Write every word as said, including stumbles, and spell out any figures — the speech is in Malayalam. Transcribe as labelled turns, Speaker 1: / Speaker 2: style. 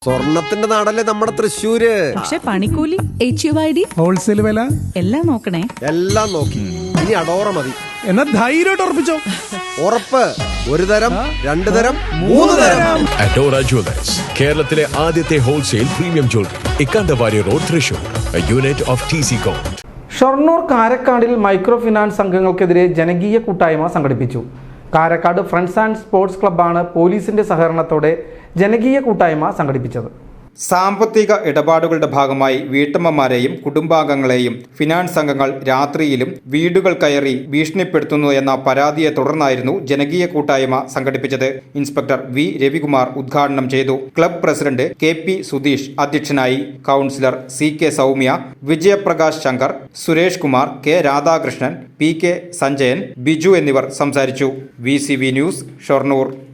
Speaker 1: സ്വർണത്തിന്റെ നാടല്ലേ നമ്മുടെ തൃശ്ശൂര്.
Speaker 2: പക്ഷെ പണിക്കൂലി, H U I D,
Speaker 3: wholesale വില
Speaker 2: എല്ലാം നോക്കണേ.
Speaker 1: എല്ലാം നോക്കി. ഇനി അടോറ മതി.
Speaker 3: എന്നാ ധൈര്യമായിട്ട് ഉറപ്പിച്ചോ.
Speaker 1: ഉറപ്പ്. ഒരു തരം, രണ്ടു തരം, മൂന്ന് തരം.
Speaker 4: അഡോറ ജ്വല്ലേഴ്സ്, കേരളത്തിലെ ആദ്യത്തെ wholesale premium jewellery, Ikkandavari road, Thrissur. Unit of T C com.
Speaker 5: Shoranur കാരക്കാടിൽ മൈക്രോ ഫിനാൻസ് സംഘങ്ങൾക്കെതിരെ ജനകീയ കൂട്ടായ്മ സംഘടിപ്പിച്ചു. കാരക്കാട് ഫ്രണ്ട്സ് ആൻഡ് സ്പോർട്സ് ക്ലബ്ബാണ് പോലീസിന്റെ സഹകരണത്തോടെ ജനകീയ കൂട്ടായ്മ സംഘടിപ്പിച്ചത്.
Speaker 6: സാമ്പത്തിക ഇടപാടുകളുടെ ഭാഗമായി വീട്ടമ്മമാരെയും കുടുംബാംഗങ്ങളെയും ഫിനാൻസ് സംഘങ്ങൾ രാത്രിയിലും വീടുകൾ കയറി ഭീഷണിപ്പെടുത്തുന്നു എന്ന പരാതിയെ തുടർന്നായിരുന്നു ജനകീയ കൂട്ടായ്മ സംഘടിപ്പിച്ചത്. ഇൻസ്പെക്ടർ വി രവികുമാർ ഉദ്ഘാടനം ചെയ്തു. Club president K P Sudheesh അധ്യക്ഷനായി. Councillor C K Soumya, Vijayaprakash Shankar, Suresh Kumar, K Radhakrishnan, P K Sanjayan, Biju എന്നിവർ സംസാരിച്ചു. V C V news, Shoranur.